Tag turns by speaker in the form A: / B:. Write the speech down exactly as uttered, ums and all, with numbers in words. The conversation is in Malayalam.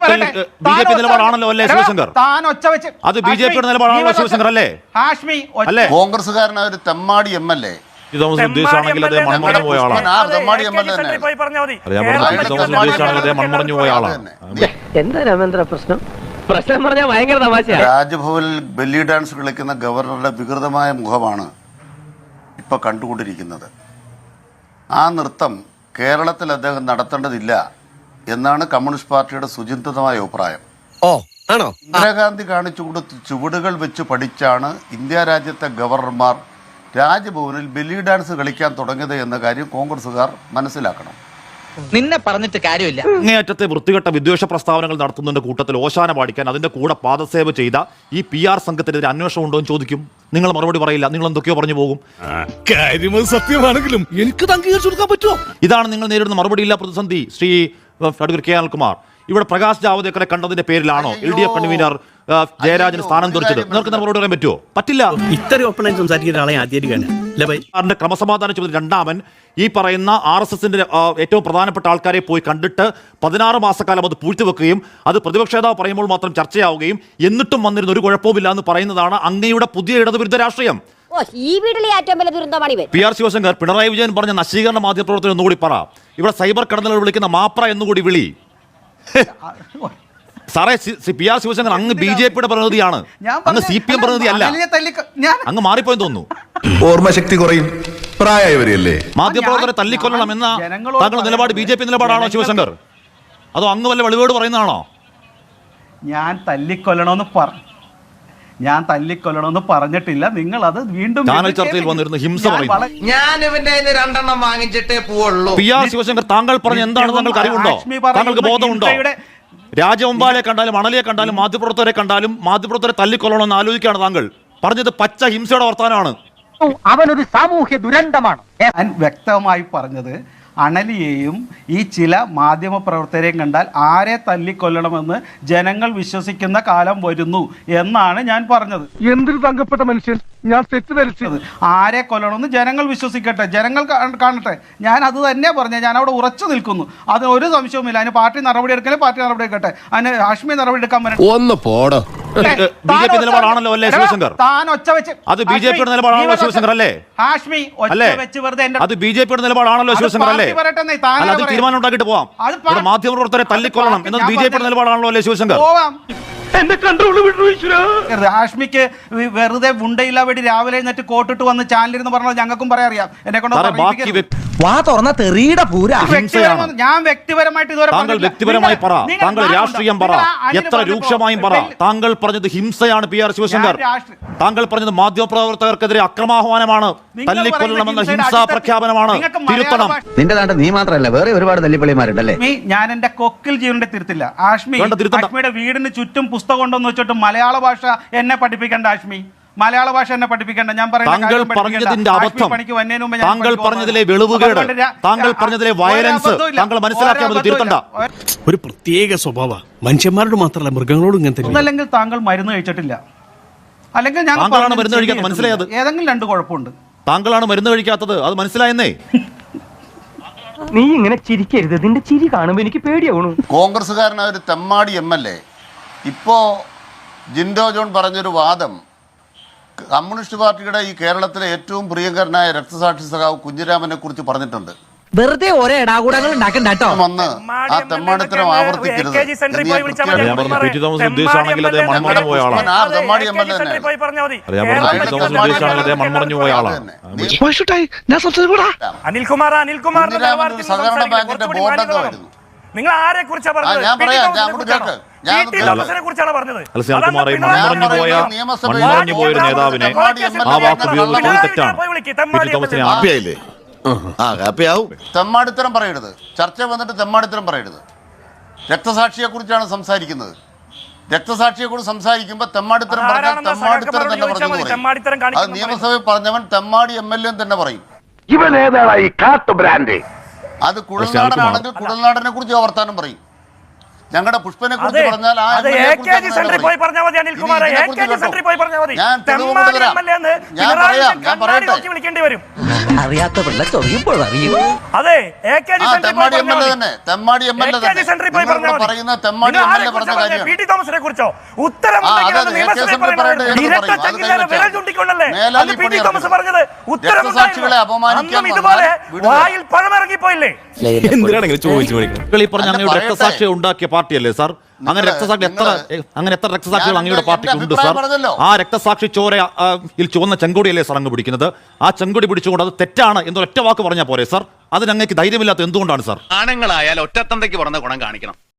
A: ബി ജെ പി നിലപാടാണല്ലോ അല്ലേ ശിവശങ്കർ? അത് ബി ജെ പിയുടെ നിലപാടാണല്ലോ ശിവശങ്കർ അല്ലേ? അല്ലേ?
B: കോൺഗ്രസ്സുകാരനായ ഒരു തെമ്മാടി എം എൽ എ
A: ഉദ്ദേശമാണെങ്കിൽ അദ്ദേഹം മൺമറഞ്ഞു പോയ ആളാണ്. ഉദ്ദേശമാണെങ്കിൽ മൺമറഞ്ഞു പോയ ആളാണ്.
C: എന്താ രാമേന്ദ്ര പ്രശ്നം? പ്രശ്നം പറഞ്ഞാൽ ഭയങ്കര തമാശ.
B: രാജ്ഭവനിൽ ബെല്ലി ഡാൻസ് കളിക്കുന്ന ഗവർണറുടെ വികൃതമായ മുഖമാണ് ഇപ്പൊ കണ്ടുകൊണ്ടിരിക്കുന്നത്. ആ നൃത്തം കേരളത്തിൽ അദ്ദേഹം നടത്തേണ്ടതില്ല എന്നാണ് കമ്മ്യൂണിസ്റ്റ് പാർട്ടിയുടെ സുചിന്തിതമായ അഭിപ്രായം.
D: ഓ ആണോ?
B: ഇന്ദിരാഗാന്ധി കാണിച്ചു കൊടുത്ത ചുവടുകൾ വെച്ച് പഠിച്ചാണ് ഇന്ത്യ രാജ്യത്തെ ഗവർണർമാർ രാജ്ഭവനിൽ ബെല്ലി ഡാൻസ് കളിക്കാൻ തുടങ്ങിയത് എന്ന കാര്യം കോൺഗ്രസുകാർ മനസ്സിലാക്കണം.
E: നിന്നെ പറഞ്ഞിട്ട് കാര്യമില്ല.
A: അങ്ങേയറ്റത്തെ വൃത്തികെട്ട വിദ്വേഷ പ്രസ്താവനകൾ നടത്തുന്നതിന്റെ കൂട്ടത്തിൽ ഓശാന പാടിക്കാൻ അതിന്റെ കൂടെ പാദസേവ ചെയ്ത ഈ പി ആർ സംഘത്തിനെതിരെ അന്വേഷണം ഉണ്ടോ എന്ന് ചോദിക്കും. നിങ്ങൾ മറുപടി പറയില്ല, നിങ്ങൾ എന്തൊക്കെയോ പറഞ്ഞു പോകും.
D: സത്യമാണെങ്കിലും എനിക്ക് അംഗീകരിച്ചു കൊടുക്കാൻ പറ്റുമോ?
A: ഇതാണ് നിങ്ങൾ നേരിടുന്ന മറുപടിയില്ല പ്രതിസന്ധി. ശ്രീ അഡ്വക്കേറ്റ് കെ അനിൽകുമാർ, ഇവിടെ പ്രകാശ് ജാവദേക്കറെ കണ്ടതിന്റെ പേരിലാണോ എൽ ഡി എഫ് കൺവീനർ ജയരാജന് സ്ഥാനം തെറിച്ചത്? നിങ്ങൾക്ക് മറുപടി പറയാൻ പറ്റുമോ? പറ്റില്ല.
D: ഇത്രയും ഒപ്പണായി സംസാരിക്കുന്ന ആളെ ആദ്യമായിട്ട്
A: ക്രമസമാധാന ചുമതല രണ്ടാമൻ ഈ പറയുന്ന ആർ എസ് എസിന്റെ ഏറ്റവും പ്രധാനപ്പെട്ട ആൾക്കാരെ പോയി കണ്ടിട്ട് പതിനാറ് മാസക്കാലം അത് പൂഴ്ത്തിവെക്കുകയും അത് പ്രതിപക്ഷ നേതാവ് പറയുമ്പോൾ മാത്രം ചർച്ചയാവുകയും എന്നിട്ടും വന്നിരുന്ന ഒരു കുഴപ്പവുമില്ല എന്ന് പറയുന്നതാണ് അങ്ങയുടെ പുതിയ ഇടതുവിരുദ്ധ രാഷ്ട്രീയം.
F: ഈ വീട്ടിലെ ഏറ്റവും വലിയ ദുരന്തമാണ് ഇവർ.
A: പി ആർ ശിവശങ്കർ, പിണറായി വിജയൻ പറഞ്ഞ നശീകരണ മാധ്യമപ്രവർത്തനം എന്നുകൂടി പറ. ഇവിടെ സൈബർ കടന്നലുകൾ വിളിക്കുന്ന മാപ്ര എന്നുകൂടി വിളി. സാറേ, പി ആർ ശിവശങ്കർ അങ്ങ് ബി ജെ പിയുടെ പ്രതിനിധിയാണ്, അങ്ങ് സി പി എം പ്രതിനിധി അല്ല. അങ്ങ് മാറിപ്പോയെന്ന് തോന്നുന്നു.
G: ഓർമ്മശക്തി കുറയും പ്രായമായവരല്ലേ.
A: മാധ്യമപ്രവർത്തകരെ തല്ലിക്കൊല്ലണം എന്ന താങ്കളുടെ നിലപാട് ബി ജെ പി നിലപാടാണോ ശിവശങ്കർ? അതോ അങ്ങ് വല്ല വെളിവേട് പറയുന്നതാണോ?
H: ഞാൻ തല്ലിക്കൊല്ലണമെന്ന് പറഞ്ഞു ഞാൻ തല്ലിക്കൊല്ലണമെന്ന് പറഞ്ഞിട്ടില്ല. നിങ്ങൾ അത് വീണ്ടും
A: ചാനൽ ചർച്ചയിൽ വന്നിരുന്നു ഹിംസ പറയുന്നു.
E: ഞാൻ ഇവന്റെ രണ്ടെണ്ണം വാങ്ങിച്ചിട്ടേ പോവുള്ളൂ.
A: പി ആർ ശിവശങ്കർ, താങ്കൾ പറഞ്ഞ എന്താണ് താങ്കൾക്ക് അറിവുണ്ടോ? താങ്കൾക്ക് ബോധമുണ്ടോ? രാജവമ്പാലെ കണ്ടാലും അണലിയെ കണ്ടാലും മാധ്യമപ്രവർത്തകരെ കണ്ടാലും മാധ്യമപ്രവർത്തകരെ തല്ലിക്കൊല്ലണമെന്ന് ആലോചിക്കുകയാണ് താങ്കൾ. പറഞ്ഞത് പച്ച ഹിംസയുടെ വർത്തമാനമാണ്.
C: അവനൊരു സാമൂഹ്യ ദുരന്തമാണ്.
H: ഞാൻ വ്യക്തമായി പറഞ്ഞത് അണലിയെയും ഈ ചില മാധ്യമ പ്രവർത്തകരെയും കണ്ടാൽ ആരെ തല്ലിക്കൊല്ലണമെന്ന് ജനങ്ങൾ വിശ്വസിക്കുന്ന കാലം വരുന്നു എന്നാണ് ഞാൻ പറഞ്ഞത്.
I: എന്തൊരു തങ്കപ്പെട്ട മനുഷ്യൻ, ഞാൻ തെറ്റിദ്ധരിച്ചത്.
H: ആരെ കൊല്ലണമെന്ന് ജനങ്ങൾ വിശ്വസിക്കട്ടെ, ജനങ്ങൾ കാണട്ടെ. ഞാൻ അത് തന്നെ പറഞ്ഞ ഞാൻ അവിടെ ഉറച്ചു നിൽക്കുന്നു. അതിന് ഒരു സംശയവുമില്ല. അതിന് പാർട്ടി നടപടി എടുക്കണേ പാർട്ടി നടപടി എടുക്കട്ടെ. അതിന് ഹാഷ്മി നടപടി എടുക്കാൻ പറ്റും.
G: ഒന്ന് പോടോ.
A: ബി ജെ പി നിലപാടാണല്ലോ അല്ലേ ശിവശങ്കർ?
H: താൻ ഒച്ച വെച്ച്
A: അത് ബി ജെ പിയുടെ നിലപാടാണല്ലോ ശിവശങ്കർ അല്ലേ?
H: ഹാഷ്മി ഒച്ച വെച്ച് വെറുതെ
A: അത് ബി ജെ പിയുടെ നിലപാടാണല്ലോ ശിവശങ്കർ അല്ലേ? അല്ല, അത് തീരുമാനം ഉണ്ടാക്കിയിട്ട് പോവാം. മാധ്യമപ്രവർത്തകരെ തല്ലിക്കൊല്ലണം എന്നത് ബി ജെ പിയുടെ നിലപാടാണല്ലോ അല്ലേ ശിവശങ്കർ?
H: ഹാഷ്മിക്ക് വെറുതെ ഉണ്ടയില്ല വേണ്ടി രാവിലെ എന്നിട്ട് കോട്ടിട്ട് വന്ന് ചാനലിരുന്ന് പറഞ്ഞത് ഞങ്ങൾക്കും പറയാറിയാം. എന്നെ കൊണ്ട്
C: വാ തുറന്ന തെറിയുടെ പൂര.
H: ഞാൻ വ്യക്തിപരമായിട്ട് ഇതുവരെ
A: താങ്കൾ വ്യക്തിപരമായി പറ, താങ്കൾ രാഷ്ട്രീയം പറ, എത്ര രൂക്ഷമായും പറ. താങ്കൾ പറഞ്ഞത് ഹിംസയാണ് പി ആർ ശിവശങ്കർ. താങ്കൾ പറഞ്ഞത് മാധ്യമപ്രവർത്തകർക്കെതിരെ അക്രമാഹ്വാനമാണ്, തല്ലിക്കൊല്ലണമെന്ന ഹിംസാ പ്രഖ്യാപനമാണ്. തിരുത്തണം.
C: നിന്റെ നാട്ടിൽ നീ മാത്രമല്ല വേറെ ഒരുപാട് തല്ലിപ്പള്ളിമാരുണ്ടല്ലേ.
H: ഞാൻ എന്റെ കൊക്കിൽ ജീവന്റെ തിരുത്തില്ല. ആഷ്മി ആഷ്മിയുടെ വീടിന് ചുറ്റും പുസ്തകം കൊണ്ടെന്ന് വെച്ചിട്ട് മലയാള ഭാഷ എന്നെ പഠിപ്പിക്കേണ്ട. ആഷ്മി മലയാള ഭാഷ എന്നെ പഠിപ്പിക്കേണ്ട. ഞാൻ
A: താങ്കൾ പറഞ്ഞതിന്റെ അബദ്ധം, താങ്കൾ പറഞ്ഞതിലെ വെളിവുകേട്, താങ്കൾ പറഞ്ഞതിലെ വയലൻസ് താങ്കൾ മനസ്സിലാക്കിയാൽ തിരുത്തണ്ട.
D: ഒരു പ്രത്യേക സ്വഭാവ മനുഷ്യന്മാരോട് മാത്രമല്ല മൃഗങ്ങളോടും ഇങ്ങനെ.
H: അല്ലെങ്കിൽ താങ്കൾ മരുന്ന് കഴിച്ചിട്ടില്ല, അല്ലെങ്കിൽ ഞാൻ
A: താങ്കളാണ് മരുന്ന് കഴിക്കാത്തത്, മനസ്സിലായത്?
H: ഏതെങ്കിലും രണ്ട് കുഴപ്പമുണ്ട്.
A: താങ്കളാണ് മരുന്ന് കഴിക്കാത്തത്, അത് മനസ്സിലായെന്നേ.
C: നീ ഇങ്ങനെ ചിരിക്കരുത്, നിന്റെ ചിരി കാണുമ്പോ എനിക്ക് പേടിയാവണു.
B: കോൺഗ്രസ്സുകാരനായ ഒരു തെമ്മാടി എം എൽ എ ഇപ്പോ ജിൻഡോ ജോൺ പറഞ്ഞൊരു വാദം കമ്മ്യൂണിസ്റ്റ് പാർട്ടിയുടെ ഈ കേരളത്തിലെ ഏറ്റവും പ്രിയങ്കരനായ രക്തസാക്ഷി സഖാവ് കുഞ്ഞിരാമനെ കുറിച്ച് പറഞ്ഞിട്ടുണ്ട്.
C: വെറുതെ ഓരോ ഇടാകൂടങ്ങൾ ഉണ്ടാക്കണ്ടോ.
B: വന്ന് ആ തെമ്മാടിത്തരം ആവർത്തിക്കരുത്.
E: അനിൽകുമാർ അനിൽകുമാർ
B: സഹകരണ ബാങ്കിന്റെ ബോർഡംഗമായിരുന്നു.
E: നിങ്ങൾ ആരെ കുറിച്ചാണ് പറഞ്ഞത്?
B: ഞാൻ പറയാം, ഞാൻ കേൾക്ക്. ഞാൻ
E: കുറിച്ചാണ് പറഞ്ഞത്.
A: നേതാവിനെ ആ വാക്ക് ഉപയോഗിച്ചത് തെറ്റാണ്.
B: തെമ്മാടിത്തരം പറയരുത്. ചർച്ച വന്നിട്ട് തെമ്മാടിത്തരം പറയരുത്. രക്തസാക്ഷിയെ കുറിച്ചാണ് സംസാരിക്കുന്നത്. രക്തസാക്ഷിയെ കുറിച്ച് സംസാരിക്കുമ്പോൾ തെമ്മാടിത്തരം പറഞ്ഞാൽ തെമ്മാടിത്തരം തന്നെ പറഞ്ഞു. അത് നിയമസഭയിൽ പറഞ്ഞവൻ തെമ്മാടി എം എൽ എ തന്നെ പറയും.
I: ഇവൻ ഏതാണ് ഈ കാട്ടു ബ്രാൻഡ്?
B: അത് കുഴൽനാടനാണെങ്കിൽ കുഴൽനാടനെ കുറിച്ച് വർത്താനം പറയും. ഞങ്ങളുടെ പുഷ്പനെ കുറിച്ച്
E: അതെ,
B: പറഞ്ഞാൽ ആ
E: അത്
B: എം എൽ എ
E: എ
B: കുറിച്ച്
E: കെ ജി
B: അങ്ങനെ
E: സെന്ററിൽ
B: പറയും.
E: പോയി പറഞ്ഞാൽ മതി അനിൽകുമാർ.
B: ഇനി
E: എ
B: ഇതിനെക്കുറിച്ച്
E: കെ ജി
B: കേട്ടോ.
E: സെന്ററിൽ പോയി പറഞ്ഞാൽ മതി.
B: ഞാൻ തെളിവ്
E: തെമ്മാടി
B: കൊണ്ടുവരാം.
E: എം എൽ എ എന്ന്
B: ഞാൻ
E: പിണറായി
B: പറയാം, ഞാൻ
E: കണ്ണാടി
B: പറയട്ടെ.
E: നോക്കി വിളിക്കേണ്ടി വരും.
C: അറിയാത്ത പിള്ള ചൊറിയുമ്പോൾ അറിയും.
E: അതെ, എ കെ ജി
B: ആ
E: സെന്ററിൽ പോയി
B: തെമ്മാടി എം എൽ
E: പറഞ്ഞാൽ
B: എ
E: മതി.
B: തന്നെ തെമ്മാടി M L A
E: A K G സെന്ററിൽ പോയി
B: തന്നെ
E: പറഞ്ഞാൽ മതി.
B: പറയുന്ന തെമ്മാടി
E: നിങ്ങൾ
B: എം എൽ
E: ആരെ
B: എ പറഞ്ഞ
E: കുറിച്ചാ പറഞ്ഞത്?
B: കാര്യമാണ്.
E: പി ടി തോമസിനെ കുറിച്ചോ? ഉത്തരമുണ്ടെങ്കിൽ
B: ആ,
E: അത്
B: അതെ,
E: നിയമസഭയിൽ
B: എ കെ എസ് എം
E: പറയണം.
B: പറയേണ്ടത് എടുത്ത്
E: ഇരട്ട
B: പറയും. അത്
E: ചങ്കിലേറെ
B: കൈവച്ചാൽ
E: വിരൽ ചൂണ്ടിക്കൊണ്ടല്ലേ
B: മേലാൽ
E: അത്
B: ഈ
E: പി ടി
B: പണി
E: തോമസ്
B: നടക്കും.
E: പറഞ്ഞത്.
B: രക്തസാക്ഷികളെ അപമാനിക്കാൻ
E: അന്നും ഇതുപോലെ
B: വന്നാൽ വിടുക.
E: വായിൽ പഴമിറങ്ങിപ്പോയില്ലേ?
D: എന്തിനാണ് ഇങ്ങനെ ചോദിച്ചു മേടിക്കുന്നത്?
A: നിങ്ങൾ ഈ പറഞ്ഞ
B: അല്ല,
A: അങ്ങയുടെ
B: പറയട്ടെ.
A: രക്തസാക്ഷിയെ ഉണ്ടാക്കിയ പാർട്ടിയല്ലേ സാർ? അങ്ങനെ
B: നിങ്ങള്
A: രക്തസാക്ഷി എത്ര
B: നിങ്ങള്
A: അങ്ങനെ എത്ര രക്തസാക്ഷികൾ
B: ഞാൻ
A: അങ്ങയുടെ
B: എന്റെ
A: പാർട്ടിക്ക് ഉണ്ട്
B: അഭിപ്രായം
A: സാർ?
B: പറഞ്ഞല്ലോ.
A: ആ രക്തസാക്ഷി ചോര ആ, യിൽ ചുവന്ന ചെങ്കൊടിയല്ലേ സാർ അങ്ങ് പിടിക്കുന്നത്? ആ ചെങ്കൊടി പിടിച്ചുകൊണ്ട് അത് തെറ്റാണ് എന്നൊരൊറ്റ വാക്ക് പറഞ്ഞാൽ പോരെ സാർ? അതിന് അങ്ങേക്ക് ധൈര്യമില്ലാത്ത എന്തുകൊണ്ടാണ് സാർ?
J: ആണുങ്ങളായാൽ ഒറ്റത്തന്തയ്ക്ക് പറഞ്ഞ ഗുണം കാണിക്കണം.